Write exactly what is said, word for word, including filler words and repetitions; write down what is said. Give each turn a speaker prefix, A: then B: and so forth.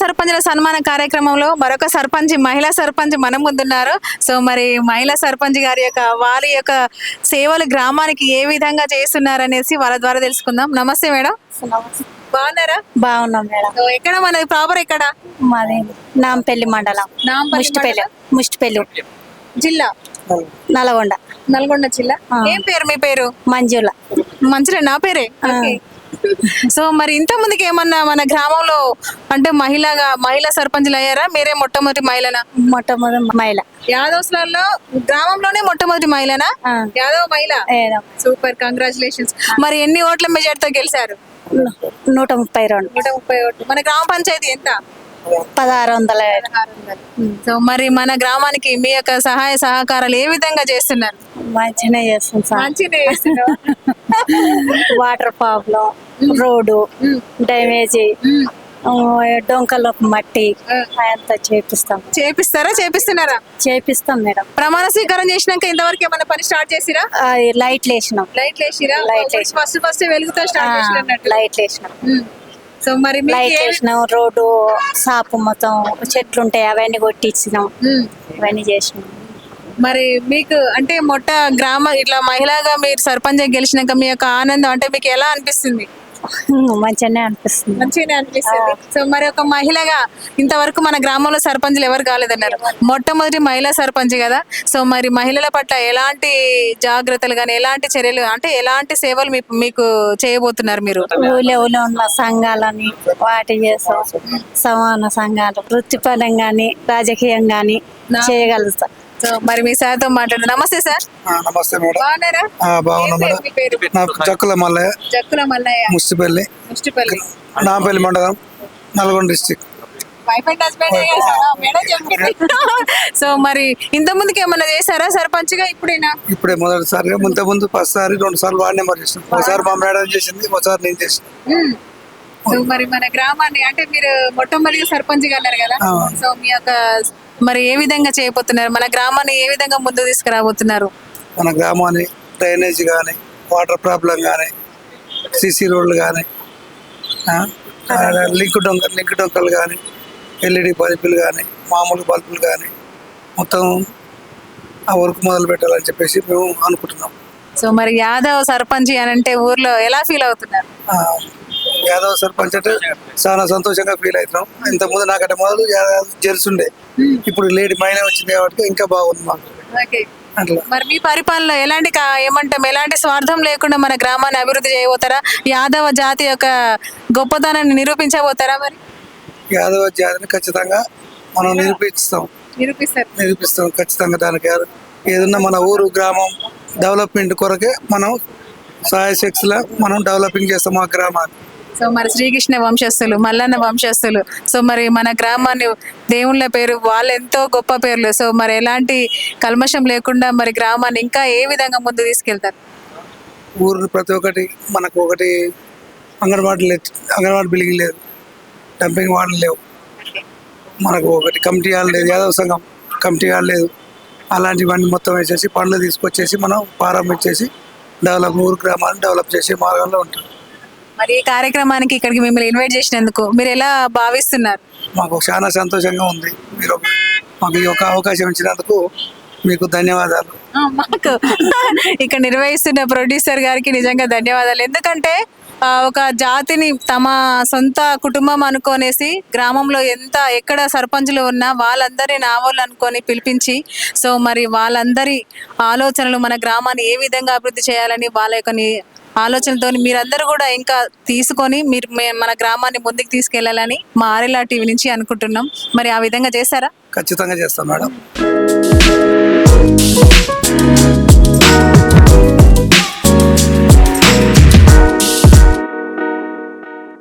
A: సర్పంచుల సన్మాన కార్యక్రమంలో మరొక సర్పంచ్ మహిళా సర్పంచ్ మన ముందున్నారు. సో మరి మహిళా సర్పంచ్ గారి యొక్క వారి యొక్క సేవలు గ్రామానికి ఏ విధంగా చేస్తున్నారు అనేసి వాళ్ళ ద్వారా తెలుసుకుందాం. నమస్తే మేడం. బాగున్నారా?
B: బాగున్నాం మేడం.
A: సో ఎక్కడ మనది ప్రాపర్ ఎక్కడ?
B: మాది నాంపల్లి మండలం, ముష్టిపల్లి ముష్టిపల్లి
A: జిల్లా
B: నల్గొండ.
A: నల్గొండ జిల్లా. ఏం పేరు మీ పేరు?
B: మంజుల.
A: మంచిగా నా పేరే. సో మరి ఇంత ముందుకి ఏమన్నా మన గ్రామంలో అంటే మహిళగా మహిళా సర్పంచ్లు అయ్యారా? మీరే మొట్టమొదటి మహిళనా?
B: మొట్టమొదటి మహిళ.
A: యాదవ్స్లలో గ్రామంలోనే మొట్టమొదటి మహిళనా? యాదవ్ మహిళ. Super, congratulations. మరి ఎన్ని ఓట్ల మెజార్టీతో గెలిచారు?
B: నూట ముప్పై రెండు.
A: నూట ముప్పై ఓట్లు. మన గ్రామ పంచాయతీ ఎంత?
B: పదహారు వందల.
A: సో మరి మన గ్రామానికి మీ యొక్క సహాయ సహకారాలు ఏ విధంగా చేస్తున్నారు?
B: మంచిగా చేస్తుంది సార్.
A: మంచిగా చేస్తున్నారు.
B: వాటర్ ప్రాబ్లం, రోడ్డు డ్యామేజీ, డొంకల మట్టి అంతా చేపిస్తాం.
A: చేపిస్తారా? చేపిస్తున్నారా?
B: చేపిస్తాం మేడం.
A: ప్రమాణ స్వీకారం చేసినాక ఇంతవరకు ఏమైనా పని స్టార్ట్ చేసిరా?
B: లైట్లు వేసినాం.
A: లైట్లు వేసిరా?
B: లైట్ వేసి
A: ఫస్ట్ ఫస్ట్ వెలుగుతో స్టార్ట్ చేసినట్టు.
B: లైట్లు వేసినాం.
A: సో మరి
B: లైట్ వేసినాం. రోడ్డు సాపు మొత్తం చెట్లు ఉంటాయి అవన్నీ కొట్టించినాం. ఇవన్నీ చేసినాం.
A: మరి మీకు అంటే మొట్ట గ్రామ ఇట్లా మహిళగా మీరు సర్పంచ్ గెలిచినాక మీ యొక్క ఆనందం అంటే మీకు ఎలా అనిపిస్తుంది?
B: మంచిగానే అనిపిస్తుంది.
A: మంచిగానే అనిపిస్తుంది. సో మరి ఒక మహిళగా ఇంతవరకు మన గ్రామంలో సర్పంచ్లు ఎవరు కాలేదన్నారు, మొట్టమొదటి మహిళా సర్పంచ్ కదా. సో మరి మహిళల పట్ల ఎలాంటి జాగ్రత్తలు కానీ ఎలాంటి చర్యలు అంటే ఎలాంటి సేవలు మీ- మీకు చేయబోతున్నారు మీరు?
B: ఊళ్ళో ఊళ్ళో ఉన్న సంఘాలని వాటి చేస్తాం. సమాన సంఘాలు వృత్తిపరం గాని రాజకీయం గాని చేయగలుగుతాం.
A: సో మరి మీ సార్తో మాట్లాడు. నమస్తే సార్.
C: నమస్తే మేడం.
A: బాగున్నారా?
C: బాగున్నా మేడం.
A: మీ పేరు?
C: నాకు జక్కుల మల్లయ్య,
A: జక్కుల మల్లయ్య,
C: ముస్టిపల్లి,
A: ముష్టిపల్లి,
C: నాంపల్లి మండలం, Nalgonda district.
A: Wife and husband madam చెప్పింది. సో మరి ఇంత ముందుకి ఏమన్నా చేశారా సర్పంచ్ గా? ఇప్పుడేనా?
C: ఇప్పుడే మొదటిసారిగా, ముందు ముందు ఫస్ట్ సారి రెండు సార్లు వార్డు నెంబర్ చేసిన. ఒకసారి మా మేడం చేసింది, ఒకసారి నేను చేసిన.
A: సో మరి మన గ్రామాన్ని అంటే మీరు మొట్టమొదటిగా సర్పంచ్ గా అన్నారు కదా. సో మీ యొక్క మరి ఏ విధంగా చేయబోతున్నారు? మన గ్రామాన్ని ఏ విధంగా ముందుకు తీసుకురాబోతున్నారు?
C: మన గ్రామాన్ని డ్రైనేజ్ కానీ, వాటర్ ప్రాబ్లం కానీ, సిసి రోడ్లు కానీ, లింక్ డొంక లింక్ డొంకలు కానీ, ఎల్ఈడి బల్బులు కానీ, మామూలు బల్బులు కానీ మొత్తం ఆ వర్క్ మొదలు పెట్టాలని చెప్పేసి మేము అనుకుంటున్నాం.
A: సో మరి యాదవ్ సర్పంచ్ అని అంటే ఊర్లో ఎలా ఫీల్ అవుతున్నారు?
C: యాదవ్ సర్పంచ్ అంటే చాలా సంతోషంగా ఫీల్ అవుతున్నాం. ఇంతకుముందు నాకంటే మొదలు యాదవ్ జెర్స్ ఉండే, ఇప్పుడు లేడీ మహిళ వచ్చింది కాబట్టి ఇంకా బాగుంది మాకు. అట్లా
A: మరి మీ పరిపాలనలో ఎలాంటి కా- ఏమంటాం ఎలాంటి స్వార్థం లేకుండా మన గ్రామాన్ని అభివృద్ధి చేయబోతారా? యాదవ జాతి యొక్క గొప్పతనాన్ని నిరూపించబోతారా? మరి
C: యాదవ జాతిని ఖచ్చితంగా మనం నిరూపిస్తాం
A: నిరూపిస్తారు.
C: నిరూపిస్తాం ఖచ్చితంగా. దానికి ఏదన్నా మన ఊరు గ్రామం డెవలప్మెంట్ కొరకే మనం సహాయ శక్తిలా మనం డెవలపింగ్ చేస్తాం ఆ గ్రామాన్ని.
A: సో మరి శ్రీకృష్ణ వంశస్థులు, మల్లన్న వంశస్థులు, సో మరి మన గ్రామాన్ని దేవుళ్ళ పేరు వాళ్ళు ఎంతో గొప్ప పేర్లు. సో మరి ఎలాంటి కల్మషం లేకుండా మరి గ్రామాన్ని ఇంకా ఏ విధంగా ముందు తీసుకెళ్తారు?
C: ఊరు ప్రతి ఒక్కటి మనకు ఒకటి అంగన్వాడీ లేదు, అంగన్వాడీ బిల్డింగ్ లేదు, డంపింగ్ వార్డులు లేవు, మనకు ఒకటి కమిటీ హాల్ లేదు, యాదవ సంఘం కమిటీ హాల్ లేదు. అలాంటివన్నీ మొత్తం వేసేసి పనులు తీసుకొచ్చేసి మనం ప్రారంభించేసి డెవలప్ ఊరు గ్రామాన్ని డెవలప్ చేసే మార్గంలో ఉంటాం.
A: మరి ఈ కార్యక్రమానికి ఇక్కడికి మిమ్మల్ని ఇన్వైట్ చేసినందుకు మీరు ఎలా భావిస్తున్నారు?
C: మాకు చాలా సంతోషంగా ఉంది. మీరు మాకు ఈ యొక్క అవకాశం ఇచ్చినందుకు మీకు ధన్యవాదాలు.
A: మాకు ఇక్కడ నిర్వహిస్తున్న ప్రొడ్యూసర్ గారికి నిజంగా ధన్యవాదాలు. ఎందుకంటే ఆ, ఒక జాతిని తమ సొంత కుటుంబం అనుకోనేసి గ్రామంలో ఎంత ఎక్కడ సర్పంచులు ఉన్నా వాళ్ళందరినీ నా వాళ్ళు అనుకొని పిలిపించి సో మరి వాళ్ళందరి ఆలోచనలు మన గ్రామాన్ని ఏ విధంగా అభివృద్ధి చేయాలని వాళ్ళ యొక్క ని- ఆలోచనతో మీరందరూ కూడా ఇంకా తీసుకొని మీరు మే- మన గ్రామాన్ని ముందుకు తీసుకెళ్లాలని మా ఆర్ఎల్ఆర్ టీవీ నుంచి అనుకుంటున్నాం. మరి ఆ విధంగా చేస్తారా?
C: ఖచ్చితంగా చేస్తాం మేడం.